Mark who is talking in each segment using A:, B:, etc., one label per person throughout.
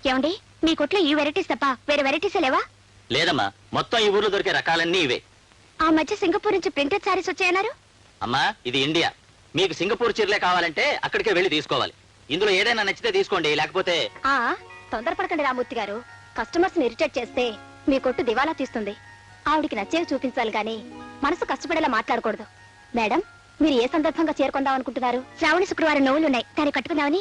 A: ఏమండి మీ కొట్లో ఈ వెరైటీస్ తప్ప వేరే వెరైటీస్ లేవా?
B: లేదమ్మా, మొత్తం ఈ ఊర్లో దొరికే రకాలన్నీ ఇవే.
A: ఆ మధ్య సింగపూర్ నుంచి ప్రింటెడ్ సారీస్ వచ్చాయన్నారు.
B: అమ్మా ఇది ఇండియా, మీకు సింగపూర్ చీరలే కావాలంటే అక్కడికే వెళ్ళి తీసుకోవాలి. ఇందులో ఏదైనా నచ్చితే తీసుకోండి, లేకపోతే
A: తొందరపడకండి రామూర్తి గారు. కస్టమర్స్ ని ఇరిటేట్ చేస్తే మీ కొట్టు దివాలా తీస్తుంది. ఆవిడికి నచ్చేవి చూపించాలి గాని మనసు కష్టపడేలా మాట్లాడకూడదు. మేడం, మీరు ఏ సందర్భంగా చేరుకుందాం అనుకుంటున్నారు? శ్రావణి శుక్రవారం నోవులున్నాయి, దాన్ని కట్టుకుందామని.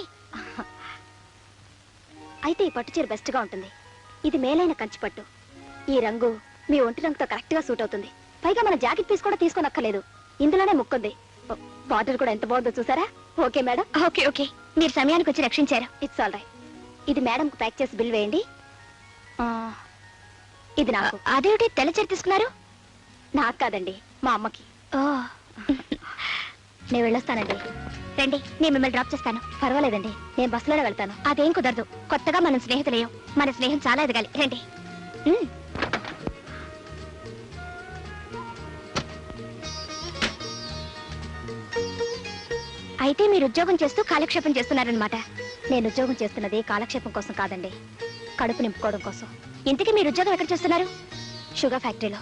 A: అయితే ఈ పట్టు చీర బెస్ట్ గా ఉంటుంది. ఇది మేలైన కంచి పట్టు. ఈ రంగు మీ ఒంటి రంగుతో కరెక్ట్ గా సూట్ అవుతుంది. పైగా మన జాకెట్ పీస్ కూడా తీసుకోనక్కర్లేదు, ఇందులోనే ముక్కుంది. బార్డర్ కూడా ఎంత బాగుందో చూసారా? Okay madam. ఓకే ఓకే, మీరు సమయానికి వచ్చి రక్షించారు. It's all right. ఇది మేడం కు ప్యాక్ చేసి బిల్ వేయండి. ఇది నాకు. అదేమిటి తెల్ల చీర తీసుకున్నారు? నాకు కాదండి, మా అమ్మకి. నేను వెళ్ళొస్తానండి. రండి, నేను మిమ్మల్ని డ్రాప్ చేస్తాను. పర్వాలేదండి, నేను బస్సులోనే వెళ్తాను. అదేం కుదరదు, కొత్తగా మనం స్నేహితులేయం. మన స్నేహం చాలా ఎదగాలి. రండి. అయితే మీరు ఉద్యోగం చేస్తూ కాలక్షేపం చేస్తున్నారనమాట. నేను ఉద్యోగం చేస్తున్నది కాలక్షేపం కోసం కాదండి, కడుపు నింపుకోవడం కోసం. ఇంతకీ మీరు ఉద్యోగం ఎక్కడ చేస్తున్నారు? షుగర్ ఫ్యాక్టరీలో.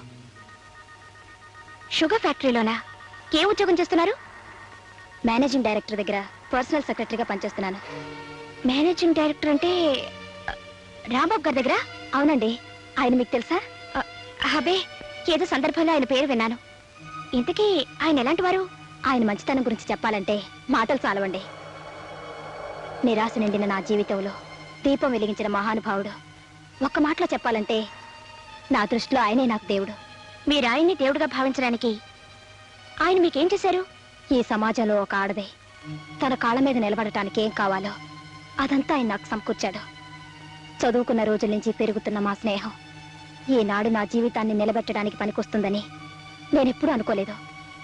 A: షుగర్ ఫ్యాక్టరీలోనా? ఏ ఉద్యోగం చేస్తున్నారు? మేనేజింగ్ డైరెక్టర్ దగ్గర పర్సనల్ సెక్రటరీగా పనిచేస్తున్నాను. మేనేజింగ్ డైరెక్టర్ అంటే రాంబాబు గారి దగ్గర? అవునండి. ఆయన మీకు తెలుసా? అబే, ఏదో సందర్భంలో ఆయన పేరు విన్నాను. ఇంతకీ ఆయన ఎలాంటి వారు? ఆయన మంచితనం గురించి చెప్పాలంటే మాటలు చాలవండి. నిరాశ నిండిన నా జీవితంలో దీపం వెలిగించిన మహానుభావుడు. ఒక్క మాటలో చెప్పాలంటే నా దృష్టిలో ఆయనే నాకు దేవుడు. మీరు ఆయన్ని దేవుడిగా భావించడానికి ఆయన మీకేం చేశారు? ఈ సమాజంలో ఒక ఆడదే తన కాళ్ళ మీద నిలబడటానికి ఏం కావాలో అదంతా ఆయన నాకు సమకూర్చాడు. చదువుకున్న రోజుల నుంచి పెరుగుతున్న మా స్నేహం ఈనాడు నా జీవితాన్ని నిలబెట్టడానికి పనికొస్తుందని నేనెప్పుడూ అనుకోలేదు.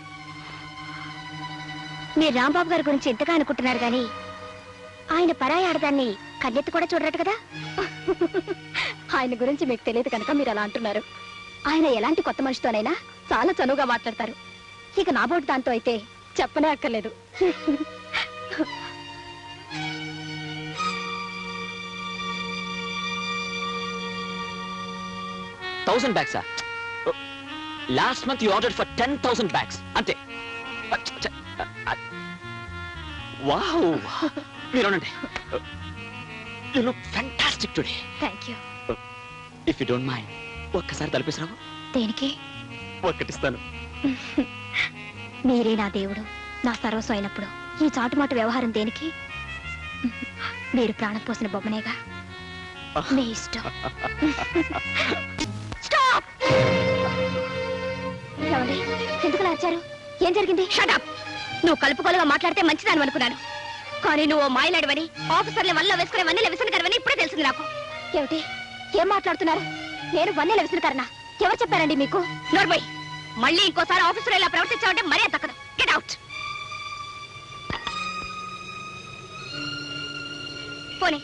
A: మీరు రాంబాబు గారి గురించి ఎంతగా అనుకుంటున్నారు గాని ఆయన పరాయి ఆడదాన్ని కన్నెత్తి కూడా చూడరట కదా. ఆయన గురించి మీకు తెలియదు కనుక మీరు అలా అంటున్నారు. ఆయన ఎలాంటి కొత్త మనిషితోనైనా చాలా చనువుగా మాట్లాడతారు. ఇక నా బోటు దాంతో అయితే చెప్పనే అక్కర్లేదు.
B: bags. Last month you ordered for 10,000 bags. Ante. Wow. Meeronante. You look fantastic today.
A: Thank you.
B: If you don't mind, ఒక్కసారి తలపేసిరావు.
A: దేనికి?
B: ఒక్కటిస్తాను.
A: మీరే నా దేవుడు, నా సర్వస్వం అయినప్పుడు ఈ చాటుమాటు వ్యవహారం దేనికి? మీరు ప్రాణం పోసిన బొమ్మనేగా. మీ ఇష్టం. ఎందుకు వచ్చారు? ఏం జరిగింది? షటప్. నువ్వు కలుపుకోలుగా మాట్లాడితే మంచిదాని అనుకున్నాను, కానీ నువ్వు మాయలాడివని ఆఫీసర్ల వల్ల వేసుకునే వన్నెల విసనకరవని ఇప్పుడే తెలిసింది నాకు. ఏమిటి? ఏం మాట్లాడుతున్నారు? నేను వన్నెల విసనకరనా? ఎవరు చెప్పారండి మీకు? నోర్బోయ్, మళ్ళీ ఇంకోసారి ఆఫీసర్ ఇలా ప్రవర్తించావంటే మరే తక్కదు. Get out. పోనీ.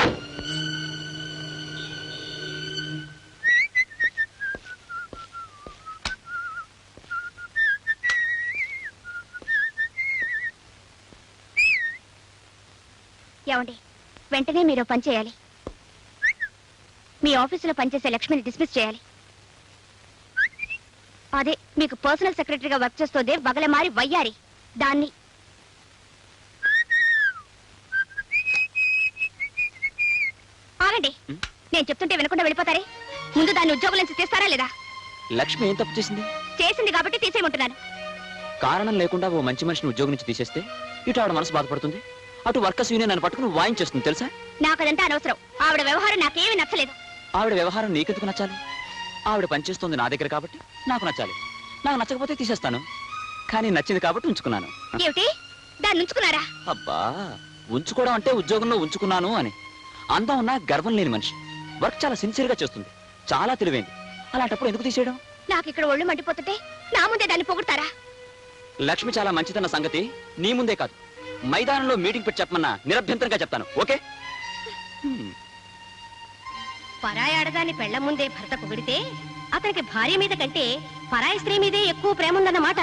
A: ఏమండి, వెంటనే మీరు పని చేయాలి. మీ ఆఫీసులో పనిచేసే లక్ష్మిని డిస్మిస్ చేయాలి. అదే మీకు పర్సనల్ సెక్రటరీగా వర్క్ చేస్తోందే బగలమారి వయ్యారి, దాన్ని. ఆగండి, నేను చెప్తుంటే వినకుండా వెళ్ళిపోతారే. ముందు దాన్ని ఉద్యోగం నుంచి తీస్తారా లేదా?
B: లక్ష్మి ఏం తప్పు చేసింది?
A: చేసింది కాబట్టి తీసేయమంటున్నాను.
B: కారణం లేకుండా ఓ మంచి మనిషిని ఉద్యోగం నుంచి తీసేస్తే ఇటు ఆవిడ మనసు బాధపడుతుంది, అటు వర్కర్స్ యూనియన్ అని పట్టుకుని వాయించేస్తుంది. తెలుసా?
A: నాకు అదంతా అనవసరం. ఆవిడ వ్యవహారం నాకేమీ నచ్చలేదు.
B: ఆవిడ వ్యవహారం నీకెందుకు నచ్చాలి? ఆవిడ పనిచేస్తుంది నా దగ్గర కాబట్టి నాకు నచ్చాలి. నాకు నచ్చకపోతే తీసేస్తాను, కానీ నచ్చింది కాబట్టి ఉంచుకున్నాను.
A: ఏమిటి? దాన్ని ఉంచుకున్నారా?
B: అబ్బా, ఉంచుకోవడం అంటే ఉద్యోగంలో ఉంచుకున్నాను అని. అందం ఉన్నా గర్వం లేని మనిషి, వర్క్ చాలా సిన్సియర్ గా చేస్తుంది, చాలా తెలివైంది. అలాంటప్పుడు ఎందుకు తీసేయడం?
A: నాకు ఇక్కడ ఒళ్ళు మండిపోతుంటే నా ముందే దాన్ని పొగుడతారా?
B: లక్ష్మి చాలా మంచిదన్న సంగతి నీ ముందే కాదు, మైదానంలో మీటింగ్ పెట్టి చెప్పమన్నా నిరభ్యంతరంగా చెప్తాను. ఓకే?
A: పరాయి ఆడదాన్ని పెళ్ల ముందే భర్త పొగిడితే అతనికి భార్య మీద కంటే పరాయి స్త్రీ మీదే ఎక్కువ ప్రేమ ఉందన్నమాట.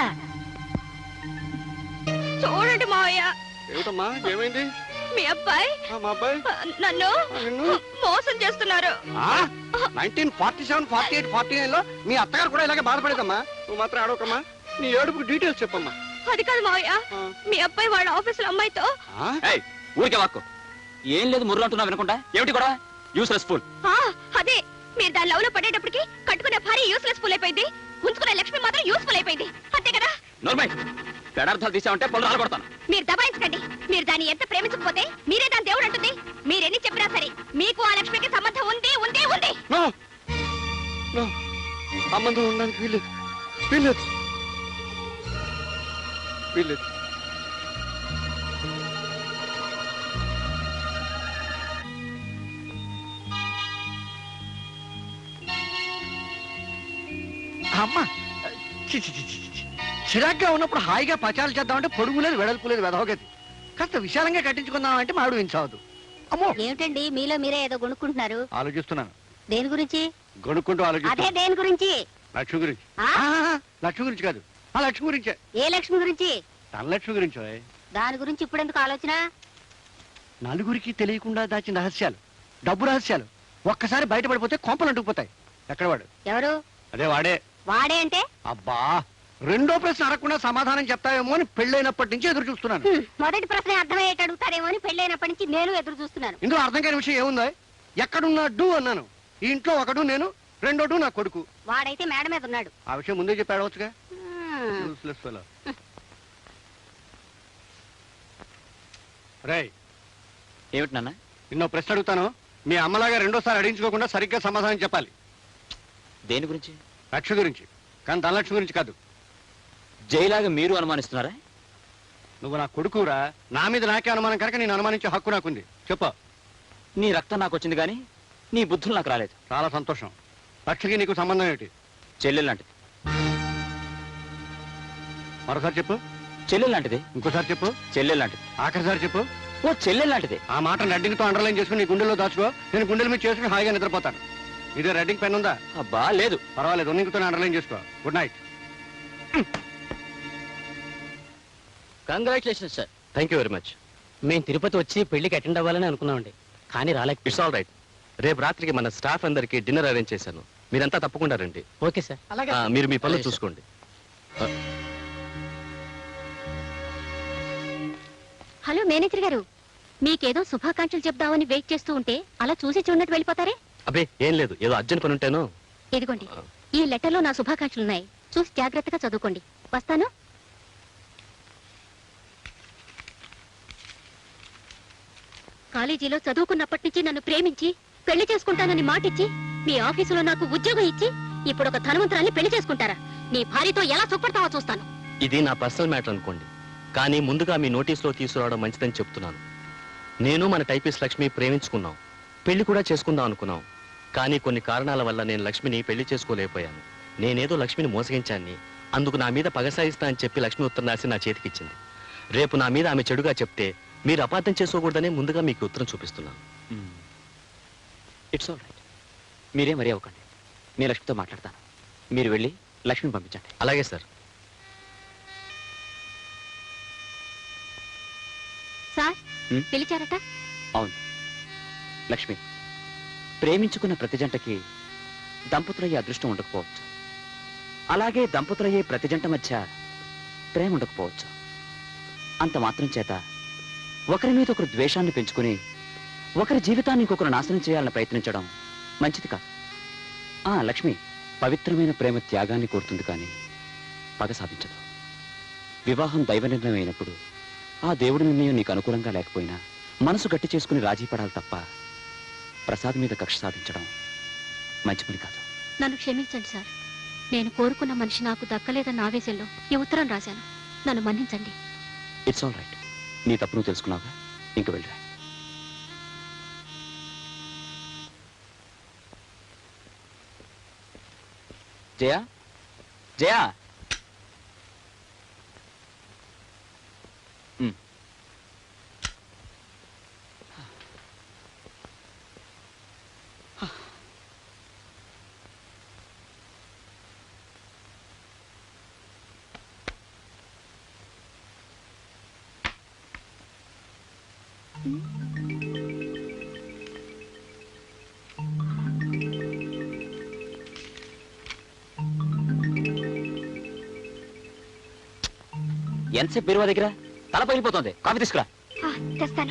A: చూడండి మావయ్య.
C: ఏమిటమ్మా, ఏమైంది?
A: మీ అబ్బాయి
C: మా అబ్బాయి
A: నన్ను మోసం మోసం చేస్తున్నారు.
C: 1947, 48, 49 లో మీ అత్తగారు కూడా ఇలాగే బాధపడేదమ్మా. నువ్వు మాత్రం ఆడవకమ్మా. నీ ఏడుపుకి డీటెయిల్స్ చెప్పమ్మా.
A: అది కాదు మావయ్య, మీ అబ్బాయి వాళ్ళ ఆఫీసులో అమ్మాయితో.
B: ఏయ్, ఊరికే వాక్కు. ఏం లేదు ముర్రు అంటున్నా వినకుండా. ఏమిటి కూడా యూస్లెస్ ఫుల్.
A: అదే, మీరు దాని లవ్ లో పడేటప్పటికి కట్టుకునే భార్య యూస్లెస్ ఫుల్ అయిపోయింది, ఉంచుకునే లక్ష్మి మాత్రం యూస్ఫుల్ అయిపోయింది. అంతే కదా?
B: నోర్మై, పెడార్థాలు తీసామంటే పళ్ళు రాలబడతాను.
A: మీరు దబాయించకండి. మీరు దాన్ని ఎంత ప్రేమించకపోతే మీరే దాని దేవుడు అంటుంది. మీరెన్ని చెప్పినా సరే మీకు ఆ లక్ష్మికి సంబంధం ఉంది ఉంది ఉంది.
C: సంబంధం ఉండడానికి వీల్లేదు, వీల్లేదు, వీల్లేదు. అమ్మా, చిరాగ్గా ఉన్నప్పుడు హాయిగా పచాలు చేద్దామంటే పొడుగు లేదు, వెడల్పు లేదు, వెదవగతి. కాస్త విశాలంగా కట్టించుకుందామంటే మాడు వించవద్దు. అమ్మో,
A: ఏమిటండి మీలో మీరే ఏదో కొనుక్కుంటున్నారు?
C: ఆలోచిస్తున్నాను.
A: దేని గురించి?
C: గొనుక్కుంటూ
A: అదే
C: ఆలోచిస్తున్నా.
A: దేని గురించి?
C: లక్ష్మి గురించి.
A: ఆ?
C: లక్ష్మి గురించి కాదు, ఆ లక్ష్మి గురించే.
A: ఏ లక్ష్మి గురించి?
C: తన లక్ష్మి గురించో.
A: దాని గురించి ఇప్పుడు ఎందుకు ఆలోచన?
C: నలుగురికి తెలియకుండా దాచిన రహస్యాలు, డబ్బు రహస్యాలు ఒక్కసారి బయటపడిపోతే కొంపలు అంటుకుపోతాయి. ఎక్కడ వాడు?
A: ఎవరు?
C: అదే వాడే.
A: వాడే అంటే?
C: అబ్బా, రెండో ప్రశ్న అడగకుండా సమాధానం చెప్తావేమో అని పెళ్ళైనప్పటి నుంచి ఎదురు చూస్తున్నాను.
A: మొదటి ప్రశ్న అర్థమయ్యేట అడుగుతారేమో అని పెళ్ళైనప్పటి నుంచి నేను ఎదురు చూస్తున్నాను.
C: ఇందులో అర్థం కాని విషయం ఏముందో? ఎక్కడున్నాడు అన్నాను. ఈ ఇంట్లో ఒకడు నేను, రెండోడు నా కొడుకు.
A: వాడైతే మేడ మీద ఉన్నాడు.
C: ఆ విషయం ముందే చెప్పి అడగచ్చుగా. రేయ్,
B: ఏమిటి నాన్న?
C: నిన్నో ప్రశ్న అడుగుతాను. మీ అమ్మలాగా రెండోసారి అడిగించుకోకుండా సరిగ్గా సమాధానం చెప్పాలి.
B: దేని గురించి?
C: లక్ష్మి గురించి, కానీ ధనలక్ష్మి గురించి కాదు.
B: జైలాగా మీరు అనుమానిస్తున్నారా?
C: నువ్వు నా కొడుకురా, నా మీద నాకే అనుమానం కనుక నేను అనుమానించే హక్కు నాకుంది. చెప్పు.
B: నీ రక్తం నాకు వచ్చింది కానీ నీ బుద్ధులు నాకు రాలేదు.
C: చాలా సంతోషం. లక్ష్మికి నీకు సంబంధం ఏమిటి?
B: చెల్లెలు లాంటిది.
C: మరోసారి చెప్పు.
B: చెల్లెలు లాంటిది.
C: ఇంకోసారి చెప్పు.
B: చెల్లెలు లాంటిది.
C: ఆఖరిసారి చెప్పు.
B: ఓ చెల్లెలు లాంటిది.
C: ఆ మాట రెడ్డింగ్తో అండర్లైన్ చేసుకుని నీ గుండెల్లో దాచుకో. నేను గుండెల మీద చేసుకుని హాయిగా నిద్రపోతాను. ఇదే రెడ్డింగ్ పెన్ ఉందా?
B: అబ్బా లేదు.
C: పర్వాలేదు, ఉన్నింగ్తో అండర్లైన్ చేసుకో. Good night.
D: Congratulation sir.
E: Thank you very much.
D: మేము తిరుపతి వచ్చి పెళ్లికి అటెండ్ అవ్వాలని అనుకున్నామండి, కానీ రాలేక.
E: It's all right. రేపు రాత్రికి మన స్టాఫ్ అందరికి డిన్నర్ అరేంజ్ చేశాను. మీరంతా తప్పకుండా రండి.
D: Okay sir.
E: మీరు మీ పనులు
D: అలాగే సార్.
E: చూసుకోండి.
A: హలో మేనేజర్ గారు, మీకేదో శుభాకాంక్షలు చెప్దామని వెయిట్ చేస్తూ ఉంటే అలా చూసి చూడనట్టు వెళ్ళిపోతారే?
E: అబ్బే ఏం లేదు, ఏదో అర్జెంట్ పని ఉంటేను.
A: ఇదిగోండి, ఈ లెటర్లో నా శుభాకాంక్షలున్నాయి. చూసి జాగ్రత్తగా చదువుకోండి. వస్తాను. కాలేజీలో చదువుకున్నప్పటి నుంచి నన్ను ప్రేమించి పెళ్లి చేసుకుంటానని మాటిచ్చి మీ ఆఫీసులో నాకు ఉద్యోగం ఇచ్చి ఇప్పుడు ఒక ధనవంతురాల్ని పెళ్లి చేసుకుంటారా? నీ భార్యతో ఎలా సుఖపడతావో చూస్తాను.
E: ఇది నా పర్సనల్ మ్యాటర్ అనుకోండి, కానీ ముందుగా మీ నోటీసులో తీసుకురావడం మంచిదని చెప్తున్నాను. నేను మన టైపిస్ట్ లక్ష్మి ప్రేమించుకున్నాం, పెళ్లి కూడా చేసుకుందాం అనుకున్నాం. కానీ కొన్ని కారణాల వల్ల నేను లక్ష్మిని పెళ్లి చేసుకోలేకపోయాను. నేనేదో లక్ష్మిని మోసగించాన్ని, అందుకు నా మీద పగ సాయిస్తా అని చెప్పి లక్ష్మి ఉత్తరం రాసి నా చేతికిచ్చింది. రేపు నా మీద ఆమె చెడుగా చెప్తే మీరు అపార్థం చేసుకోకూడదని ముందుగా మీకు ఉత్తరం చూపిస్తున్నాను.
B: It's all right. మీరే మరీ అవ్వకండి. నేను లక్ష్మితో మాట్లాడతాను. మీరు వెళ్ళి లక్ష్మిని పంపించండి.
E: అలాగే సార్.
A: సార్, పిలిచారట?
B: అవును లక్ష్మి, ప్రేమించుకున్న ప్రతి జంటకి దంపతులయ్యే అదృష్టం ఉండకపోవచ్చు. అలాగే దంపతులయ్యే ప్రతి జంట మధ్య ప్రేమ ఉండకపోవచ్చు. అంత మాత్రం చేత ఒకరి మీద ఒకరు ద్వేషాన్ని పెంచుకుని ఒకరి జీవితాన్ని ఇంకొకరు నాశనం చేయాలని ప్రయత్నించడం మంచిది కాదు. లక్ష్మి, పవిత్రమైన ప్రేమ త్యాగాన్ని కోరుతుంది కానీ పగ సాధించదు. వివాహం దైవ నిర్ణయం అయినప్పుడు ఆ దేవుడి నిర్ణయం నీకు అనుకూలంగా లేకపోయినా మనసు గట్టి చేసుకుని రాజీ పడాలి తప్ప ప్రసాద్ మీద కక్ష సాధించడం మంచి పని కాదు.
A: నన్ను క్షమించండి సార్. నేను కోరుకున్న మనిషి నాకు దక్కలేదన్న ఆవేశంలో ఈ ఉత్తరం రాశాను. నన్ను మన్నించండి.
B: It's all right. నీ తప్పు నువ్వు తెలుసుకున్నావుగా, ఇంక వెళ్ళరా. జయా, జయా. ఎంతసేపు బీరువా దగ్గర తల పగిలిపోతుంది. కాఫీ తీసుకురా.
A: తెస్తాను.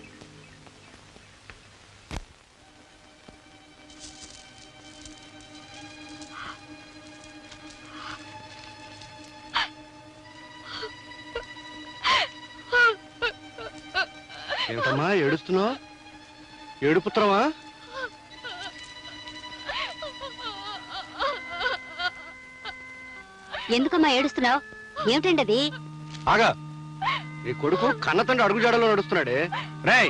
C: ఏమిటమ్మా ఏడుస్తున్నావు? ఏడుపుత్రమా?
A: ఎందుకమ్మా ఏడుస్తున్నావు? ఏమిటండి అది?
C: ఆగా, నీ కొడుకు కన్నతండ్రి అడుగుజాడలో నడుస్తున్నాడే. రేయ్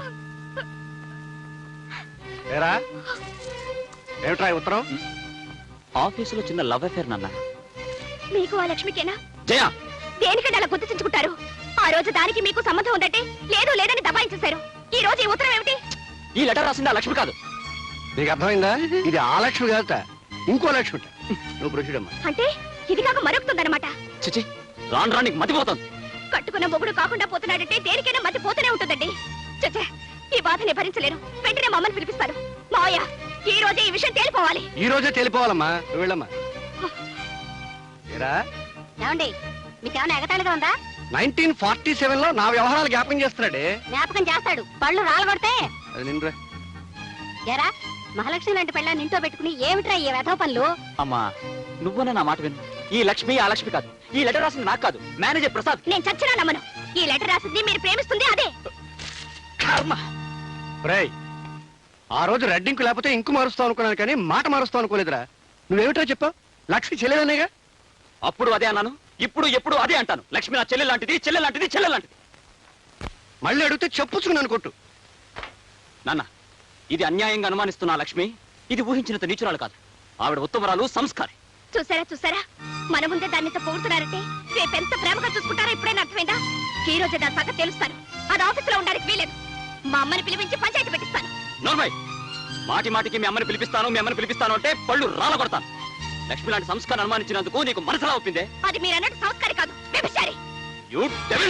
C: ఏరా, ఏమిట్రా ఈ ఉత్తరం?
B: ఆఫీసులో చిన్న లవ్ అఫేర్ నాన్న.
A: మీకు ఆ లక్ష్మికేనా?
B: జయ,
A: దేనికంటే అలా గుర్తించుకుంటారు? ఆ రోజు దానికి మీకు సంబంధం ఉందంటే లేదు లేదని దబాయించేశారు. ఈ రోజు ఈ ఉత్తరం ఏమిటి?
B: ఈ లెటర్ రాసింది ఆ లక్ష్మి కాదు.
C: నీకు అర్థమైందా? ఇది ఆ లక్ష్మి కాదట, ఇంకో లక్ష్మి. నువ్వు ప్రొసీడ్ అమ్మా.
A: అంటే ఇది కాక మరొకుతుందన్నమాట.
B: చిచి, రాను రాను నీకు మతిపోతుంది.
A: కట్టుకున్న మొగుడు కాకుండా పోతున్నాడంటే దేనికైనా మతి పోతూనే ఉంటుందండి. చచ్చే, ఈ బాధని భరించలేను. వెంటనే మమ్మల్ని పిలిపిస్తాను. మావయ్య, ఈ రోజే ఈ విషయం తేలిపోవాలి.
C: ఈ రోజే తేలిపోవాలమ్మా. నువ్వు వెళ్ళమ్మా. ఏరా,
A: ఏమండి, మీకేమైనా ఎగతాళిగా ఉందా?
C: 1947 లో నా వ్యవహారాలు జ్ఞాపకం చేస్తున్నాడే.
A: జ్ఞాపకం చేస్తాడు, పళ్ళు రాలగొడితే.
C: అది నిన్నురా.
A: ఎరా, మహాలక్ష్మి లాంటి పెళ్ళ నింటో పెట్టుకుని ఏమిట్రా ఈ వెధవ పనులు?
B: అమ్మా, నువ్వున నా మాట విను. ఈ లక్ష్మి ఆ లక్ష్మి కాదు. ఈ లెటర్ రాసింది నాకు కాదు, మేనేజర్ ప్రసాద్.
A: నేను చచ్చినా నమ్మను. ఈ లెటర్ రాసింది మీరు ప్రేమిస్తుంది అదే.
B: కర్మ.
C: రేయ్, ఆ రోజు రెడ్డింకు లేకపోతే ఇంకు మారుస్తావు అనుకున్నాను, కానీ మాట మారుస్తావు అనుకోలేదురా. నువ్వేమిట్రా చెప్పావు? లక్ష్మి చెల్లెలనేగా.
B: అప్పుడు అదే అన్నాను, ఇప్పుడు ఎప్పుడు అదే అంటాను. లక్ష్మి నా చెల్లె లాంటిది, చెల్లె లాంటిది, చెల్లె లాంటిది.
C: మళ్ళీ అడిగితే చెప్పుచ్చుకున్నాను కొట్టు.
B: నాన్న, ఇది అన్యాయంగా అనుమానిస్తున్న ఆ లక్ష్మి ఇది ఊహించినంత నీచురాలు కాదు. ఆవిడ ఉత్తమరాలు, సంస్కారి.
A: చూసారా, మన ముందే దాన్ని పొగుడుతున్నారంటే రేపెంత ప్రేమగా చూసుకుంటారో ఇప్పుడైనా అర్థమైందా? ఈ రోజే దాని సంగతి తెలుస్తాను. అది ఆఫీసులో ఉండడానికి వీలేదు. మా అమ్మని పిలిపించి పంచాయతీ పెట్టిస్తాను.
B: నోర్మై, మాటి మాటికి మీ అమ్మని పిలిపిస్తాను అంటే పళ్ళు రాలగొడతాను. లక్ష్మి లాంటి సంస్కారం అనుమానించినందుకు నీకు మనసులా ఒప్పిందే?
A: అది మీరు అన్నట్టు సంస్కారి కాదు, వ్యభిచారి.
B: You devil!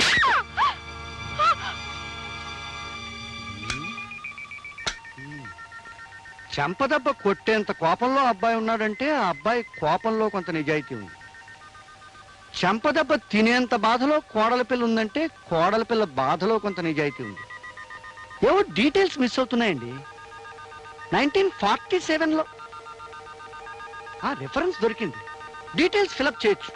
C: చెంపదెబ్బ కొట్టేంత కోపంలో అబ్బాయి ఉన్నాడంటే ఆ అబ్బాయి కోపంలో కొంత నిజాయితీ ఉంది. చెంపదెబ్బ తినేంత బాధలో కోడల పిల్ల ఉందంటే కోడల పిల్ల బాధలో కొంత నిజాయితీ ఉంది. ఏవో డీటెయిల్స్ మిస్ అవుతున్నాయండి. 1947లో ఆ రిఫరెన్స్ దొరికింది. డీటెయిల్స్ ఫిలప్ చేయొచ్చు.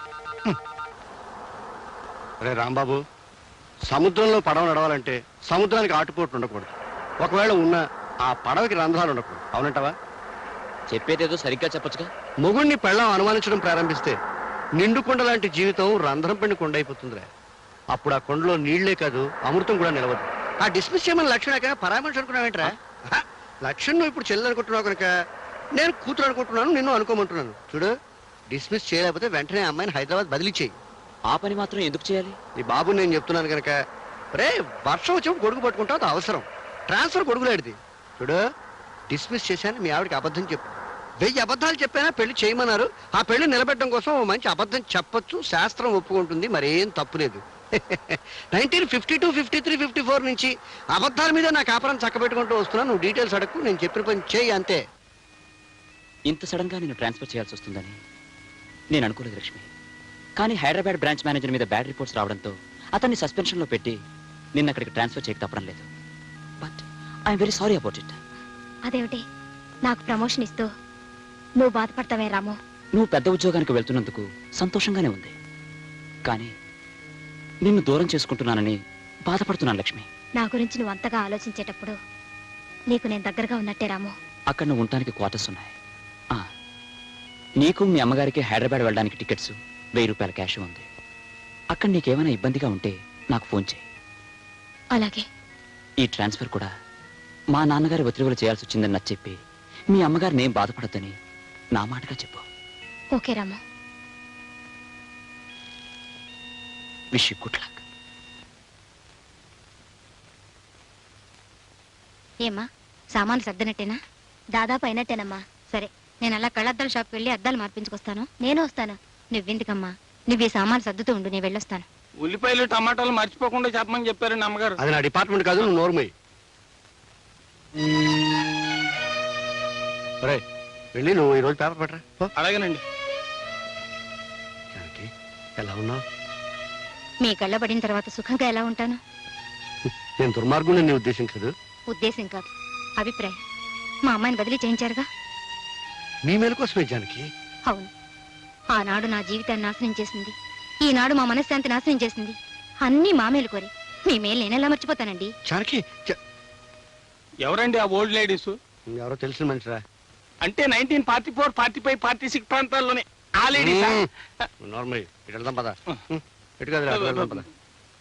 C: అరే రాంబాబు, సముద్రంలో పడవ నడవాలంటే సముద్రానికి ఆటుపోట్లు ఉండకూడదు. ఒకవేళ ఉన్నా ఆ పడవకి రంధ్రాలు ఉండకూడదు. అవునంటావా?
B: చెప్పేదేదో సరిగ్గా చెప్పొచ్చుగా.
C: మొగుణ్ణి పెళ్ళాం అనుమానించడం ప్రారంభిస్తే నిండు కొండ లాంటి జీవితం రంధ్రం పడిన కొండ అయిపోతుందిరా. అప్పుడు ఆ కొండలో నీళ్లే కాదు, అమృతం కూడా నిలవదు. ఆ డిస్మిస్ చేయమని లక్ష్మణ పరామర్శ అనుకున్నావేంట్రా? లక్ష్మణ్ నువ్వు ఇప్పుడు చెల్లెలు అనుకుంటున్నావు కనుక నేను కూతురు అనుకుంటున్నాను, నిన్ను అనుకోమంటున్నాను. చూడు, డిస్మిస్ చేయలేకపోతే వెంటనే అమ్మాయిని హైదరాబాద్ బదిలీ చేయి.
B: ఆ పని మాత్రం ఎందుకు చేయాలి?
C: ఈ బాబు నేను చెప్తున్నాను కనుక. రే, వర్షం వచ్చినప్పుడు గొడుగు పట్టుకుంటావు, అది అవసరం. ట్రాన్స్ఫర్ గొడుగులాడిది. చూడు, డిస్మిస్ చేశాను, మీ ఆవిడకి అబద్ధం చెప్పు. 1000 అబద్ధాలు చెప్పానా పెళ్లి చేయమన్నారు. ఆ పెళ్లి నిలబెట్టడం కోసం ఓ మంచి అబద్ధం చెప్పొచ్చు, శాస్త్రం ఒప్పుకుంటుంది, మరేం తప్పులేదు. 1952, 53, 54 నుంచి అబద్ధాల మీద నా కాపురం చక్కబెట్టుకుంటూ వస్తున్నాను. నువ్వు డీటెయిల్స్ అడగకు, నేను చెప్పిన పని చేయి అంతే.
B: ఇంత సడన్ గా నేను ట్రాన్స్ఫర్ చేయాల్సి వస్తుందని నేను అనుకోలేదు లక్ష్మి. కానీ హైదరాబాద్ బ్రాంచ్ మేనేజర్ మీద బ్యాడ్ రిపోర్ట్స్ రావడంతో అతన్ని సస్పెన్షన్ లో పెట్టి నిన్న అక్కడికి ట్రాన్స్ఫర్ చేయక తప్పడం లేదు. But I'm very sorry about it.
A: అదేమిటి, నాకు ప్రమోషన్ ఇస్తూ నువ్వు బాధపడతావే రాము?
B: నువ్వు పెద్ద ఉద్యోగానికి వెళ్తున్నందుకు సంతోషంగానే ఉంది, కానీ నిన్ను దూరం చేసుకుంటున్నానని బాధపడుతున్నాను లక్ష్మి.
A: నా గురించి నువ్వు అంతగా ఆలోచించేటప్పుడు నీకు నేను దగ్గరగా ఉన్నట్టే రాము.
B: అక్కడ నువ్వు ఉండటానికి క్వార్టర్స్ ఉన్నాయి. నీకు మీ అమ్మగారికి హైదరాబాద్ వెళ్ళడానికి టికెట్స్, 1000 రూపాయల క్యాష్ ఉంది. అక్కడ నీకేమైనా ఇబ్బందిగా ఉంటే నాకు ఫోన్ చేయి.
A: అలాగే.
B: ఈ ట్రాన్స్ఫర్ కూడా మా నాన్నగారి ఒత్తిడిలో చేయాల్సి వచ్చిందని నచ్చ చెప్పి మీ అమ్మగారిని ఏం బాధపడద్దని నా మాటగా చెప్పు.
A: Okay Ramu.
B: Wish you good luck.
A: ఏమ్మా, సామాన్లు సర్దినట్టేనా? దాదాపు అయినట్టేనమ్మా. సరే, నేను అలా కళ్ళద్దాల షాప్కి వెళ్ళి అద్దాలు మార్పించుకొస్తాను. నేను వస్తాను. నువ్వెందుకమ్మా, నువ్వు ఈ సామాన్లు సర్దుతూ ఉండు, నేను వెళ్ళొస్తాను.
F: ఉల్లిపాయలు టమాటాలు మర్చిపోకుండా చెప్పమని చెప్పారండి అమ్మగారు.
C: అది నా డిపార్ట్మెంట్ కాదు, నువ్వు నోర్మయ్యి. వెళ్ళి నువ్వు ఈరోజు పేపర్ పెట్టరా.
F: అలాగేనండి.
C: ఎలా ఉన్నావు?
A: మీ కళ్ళబడిన తర్వాత సుఖంగా ఎలా ఉంటాను?
C: నేను దుర్మార్గుని నీ ఉద్దేశం కాదు.
A: ఉద్దేశం కాదు, అభిప్రాయం. మా అమ్మాయిని బదిలీ చేయించారుగా.
C: మీ మేలు కోసమే జానకి.
A: అవును, ఆనాడు నా జీవితాన్ని నాశనం చేసింది, ఈనాడు మా మనశ్శాంతి నాశనం చేసింది. అన్నీ మా మేలు కోరి. మీ మేలు నేనెలా మర్చిపోతానండి?
C: జానకి
F: ఎవరండి ఆ ఓల్డ్ లేడీస్?
C: ఎవరో తెలిసిన మనిషిరా.
F: అంటే 1944, 45, 46 ప్రాంతాల్లోనే ఆ లేడీసా?
C: నార్మల్ ఇటు వెళ్దాం పద. ఇటు కదరా, అటు వెళ్దాం పద.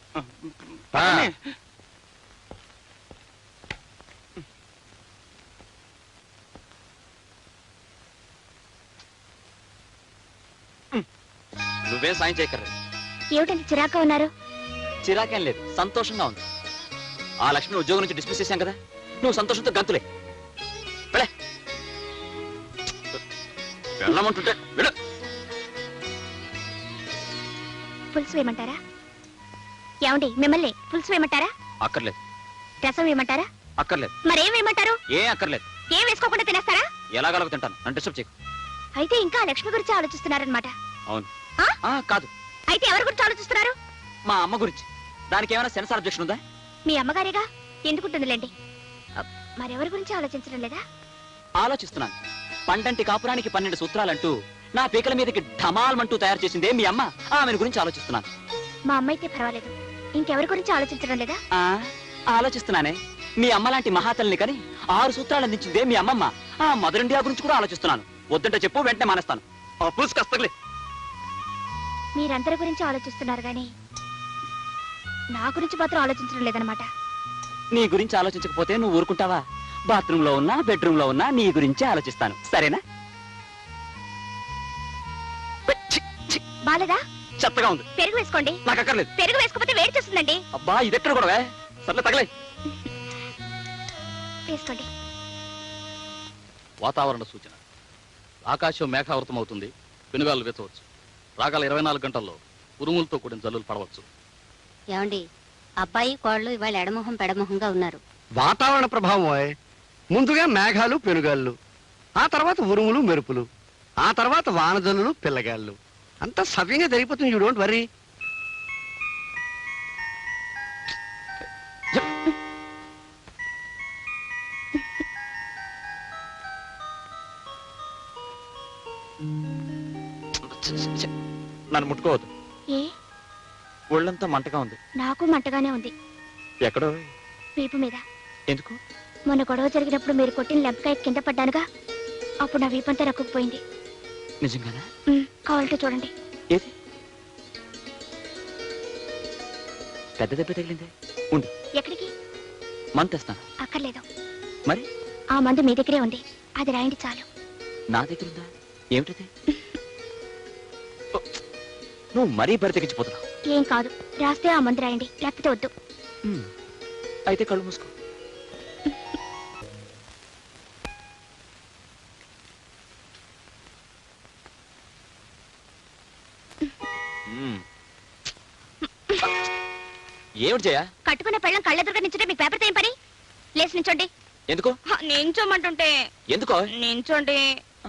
B: నువ్వేం సాయం చేయక్కర్లేదు.
A: ఏమిటంటే చిరాగ్గా ఉన్నారు?
B: చిరాకేం లేదు, సంతోషంగా ఉంది. ఆ లక్ష్మిని ఉద్యోగం నుంచి డిస్మిస్ చేశాం కదా, నువ్వు సంతోషంతో గంతులే. వెళ్ళే, వెళ్ళమంటుంటే వెళ్ళు.
A: పులుసు వేయమంటారా? ఏమండి, మిమ్మల్ని పులుసు వేయమంటారా?
B: అక్కర్లేదు.
A: రసం వేయమంటారా?
B: అక్కర్లేదు.
A: మరేం వేయమంటారు?
B: ఏం అక్కర్లేదు.
A: ఏం వేసుకోకుండా తినేస్తారా?
B: ఎలాగలగ తింటాను, నన్ను డిస్టర్బ్ చేయకు.
A: అయితే ఇంకా ఆ లక్ష్మి గురించి ఆలోచిస్తున్నారనమాట.
B: అవును.
A: ఆ?
B: కాదు,
A: అయితే ఎవరి గురించి ఆలోచిస్తున్నారు?
B: మా అమ్మ గురించి. దానికి ఏమైనా సెన్సార్ అబ్జెక్షన్ ఉందా?
A: మీ అమ్మగారేగా, ఎందుకుంటుందిలేండి. మరెవరి గురించి ఆలోచించడం లేదా?
B: ఆలోచిస్తున్నాను. పండంటి కాపురానికి 12 సూత్రాలంటూ నా పీకల మీదకి ఢమాల్మంటూ తయారు చేసిందే మీ అమ్మ. ఆమెను గురించి ఆలోచిస్తున్నాను.
A: మా అమ్మ అయితే పర్వాలేదు, ఇంకెవరి గురించి ఆలోచించడం లేదా?
B: ఆలోచిస్తున్నానే. మీ అమ్మ లాంటి మహాతల్ని కని 6 సూత్రాలు అందించిందే మీ అమ్మమ్మ. ఆ మదర్ ఇండియా గురించి కూడా ఆలోచిస్తున్నాను. వద్దంటే చెప్పు, వెంటనే మానేస్తాను. కస్తలే.
A: మీరందరి గురించి ఆలోచిస్తున్నారు గాని నా గురించి మాత్రం ఆలోచించడం లేదనమాట.
B: నీ గురించి ఆలోచించకపోతే నువ్వు ఊరుకుంటావా? బాత్రూమ్ లో ఉన్నా, బెడ్రూమ్ లో ఉన్నా నీ గురించే ఆలోచిస్తాను. సరేనా?
A: బాలేదా?
B: చెత్తగా ఉంది.
A: పెరుగు వేసుకోండి.
B: నాకు అక్కర్లేదు.
A: పెరుగు వేసుకోకపోతే వేడి చేస్తుందండి.
B: అబ్బా, ఇదెక్కడ కూడా సర్లే, తగలే.
A: వేసుకోండి.
E: వాతావరణ సూచన. ఆకాశం మేఘావృతం అవుతుంది, పెనుగాలు వేచవచ్చు. రాగల 24 గంటల్లో ఉరుములతో కూడిన జల్లులు పడవచ్చు.
G: ఏమండి, అబ్బాయి కోళ్ళు ఇవాళ ఎడమొహం పెడమొహంగా ఉన్నారు.
C: వాతావరణ ప్రభావం. ముందుగా మేఘాలు పెనుగాళ్ళు, ఆ తర్వాత ఉరుములు మెరుపులు, ఆ తర్వాత వానజల్లులు పిల్లగాళ్ళు. అంతా సవ్యంగా జరిగిపోతుంది. You don't worry.
B: నన్ను ముట్టుకోవద్దు.
A: ఏ?
B: ఒళ్ళంతా మంటగా ఉంది.
A: నాకు మంటగానే ఉంది.
B: ఎక్కడో?
A: వీపు మీద.
B: ఎందుకు?
A: మొన్న గొడవ జరిగినప్పుడు మీరు కొట్టిన లెంపకాయ కింద పడ్డానుగా, అప్పుడు నా వీపంతా రక్కుపోయింది.
B: నిజంగానా?
A: కావాలంటే చూడండి.
B: ఏది? పెద్ద దెబ్బ తగిలిందే. ఉండు.
A: ఎక్కడికి?
B: మందు తెస్తాను.
A: అక్కర్లేదు.
B: మరి?
A: ఆ మందు మీ దగ్గరే ఉంది, అది రాయండి చాలు.
B: నా దగ్గర ఉందా? ఏమిటది? నువ్వు మరీ బరి తెగించిపోతున్నావు.
A: ఏం కాదు, రాస్తే ఆ మందు రాయండి, లేకపోతే వద్దు.
B: అయితే కళ్ళు మూసుకో. ఏమిటి జయ?
A: కట్టుకున్న పెళ్ళం కళ్ళెదురుగా నించుంటే మీకు పేపర్తో ఏం పని? లేచి నించోండి.
B: ఎందుకు?
A: నించోమంటుంటే.
B: ఎందుకో?
A: నించోండి.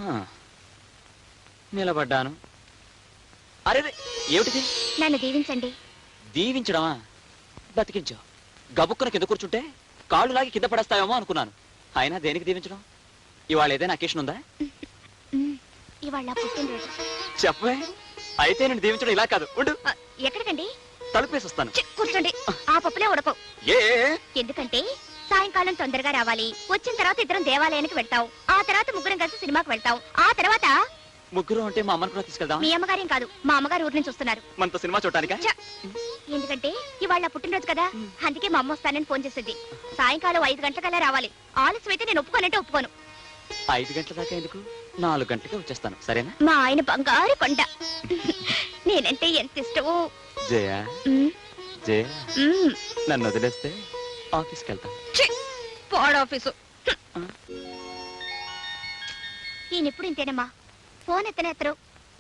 B: నిలబడ్డాను. అరే, ఏమిటిది?
A: నన్ను దీవించండి.
B: దీవించడమా? బతికించావు. గబుక్కున కింద కూర్చుంటే కాళ్ళు లాగి కింద పడేస్తావేమో అనుకున్నాను. అయినా దేనికి దీవించడం? ఇవాళ ఏదైనా అకేషన్ ఉందా?
A: ఇవాళ పుట్టినరోజు.
B: చెప్పే. అయితే నేను దీవించడం ఇలా కాదు. ఉండు.
A: ఎక్కడికండి?
B: తలుపేసి వస్తాను.
A: కూర్చోండి. ఆ పప్పులే ఉడకవు. ఎందుకంటే సాయంకాలం తొందరగా రావాలి. వచ్చిన తర్వాత ఇద్దరం దేవాలయానికి వెళ్తాం. ఆ తర్వాత ముగ్గురం కలిసి సినిమాకి వెళ్తాం. ఆ తర్వాత
B: ముగ్గురు అంటే మా అమ్మని కూడా తీసుకెళ్దాం.
A: మీ అమ్మగారేం కాదు, మా అమ్మగారు ఊరి నుంచి వస్తున్నారు.
B: మనతో సినిమా చూడటానికా?
A: ఎందుకంటే ఇవాళ పుట్టినరోజు కదా, అందుకే మా అమ్మ వస్తానని ఫోన్ చేసింది. సాయంకాలం 5 గంటలకల్లా రావాలి. ఆలస్యం అయితే నేను ఒప్పుకోనంటే ఒప్పుకోను.
B: 5 గంటల దాకా ఎందుకు? 4 గంటలకే వచ్చేస్తాను. సరేనా?
A: మా ఆయన బంగారు కొండ. నేనంటే ఎంత ఇష్టమో.
B: జయ, జయ, నన్ను వదిలేస్తే ఆఫీస్కి వెళ్తాను.
A: ఆఫీసు ఈయనెప్పుడు ఇంతేనమ్మా. ఫోన్ ఎత్తరు.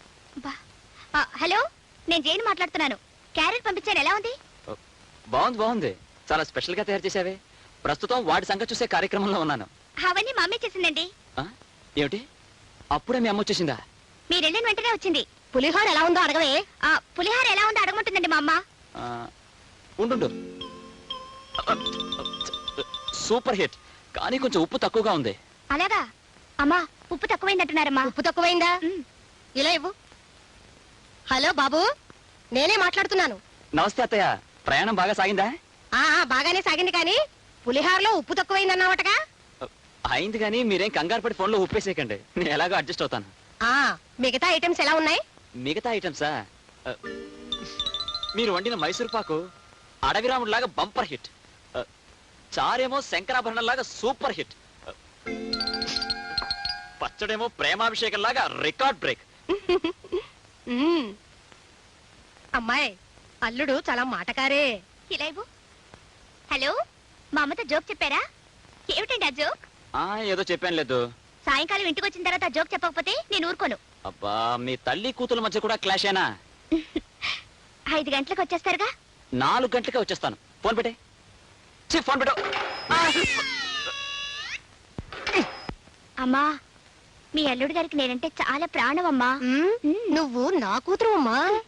A: హలో, నేను జైన్ మాట్లాడుతున్నాను. క్యారెట్ పంపించాను, ఎలా ఉంది?
B: బాగుంది, బాగుంది. చాలా స్పెషల్ గా తయారు చేసావే. ప్రస్తుతం వాడి సంగతి చూసే కార్యక్రమంలో ఉన్నాను.
A: అవన్నీ మా అమ్మే చేసిందండి.
B: ఏమిటి? అప్పుడే మీ అమ్మ వచ్చేసిందా?
A: మీరు వెళ్ళిన వెంటనే వచ్చింది. పులిహోర ఎలా ఉందో అడగవే. పులిహోర ఎలా ఉందో అడగమంటుందండి మా అమ్మ.
B: ఉండు. సూపర్ హిట్, కానీ కొంచెం ఉప్పు తక్కువగా ఉంది.
A: అలాగా అమ్మా, ఉప్పు తక్కువైందంటున్నారమ్మా.
H: ఉప్పు తక్కువైందా?
A: ఉమ్.
H: ఇలా ఇవ్వు. హలో బాబు, నేనే మాట్లాడుతున్నాను.
B: నమస్తే అత్తయ్య, ప్రయాణం బాగా సాగిందా?
H: బాగానే సాగింది, కానీ పులిహారలో ఉప్పు తక్కువైందన్నావటగా.
B: అయింది, కానీ మీరేం కంగారు పడి ఫోన్లో ఉప్పేసేయకండి, నేను ఎలాగో అడ్జస్ట్ అవుతాను.
H: మిగతా ఐటమ్స్ ఎలా ఉన్నాయి?
B: మిగతా ఐటమ్సా? మీరు వండిన మైసూర్ పాకు అడవిరాముడిలాగా బంపర్ హిట్, చారేమో శంకరాభరణంలాగా సూపర్ హిట్, పచ్చడేమో ప్రేమాభిషేకంలాగా రికార్డ్ బ్రేక్.
H: అమ్మాయి, అల్లుడు చాలా మాటకారే.
A: ఇలా ఇవ్వు. హలో, మా అమ్మతో జోక్ చెప్పారా? ఏమిటండి ఆ జోక్?
B: ఏదో చెప్పాను లేదు.
A: సాయంకాలం ఇంటికి వచ్చిన తర్వాత ఆ జోక్ చెప్పకపోతే నేను ఊరుకోను.
B: అబ్బా, మీ తల్లి కూతుల మధ్య కూడా క్లాష్ అయినా?
A: 5 గంటలకు వచ్చేస్తారుగా?
B: 4 గంటలకే వచ్చేస్తాను. ఫోన్ పెట్టే. ఫోన్ పెట్టు.
A: అమ్మా, మీ అల్లుడు గారికి నేనంటే చాలా ప్రాణం అమ్మా.
H: నువ్వు నా కూతురు అమ్మా.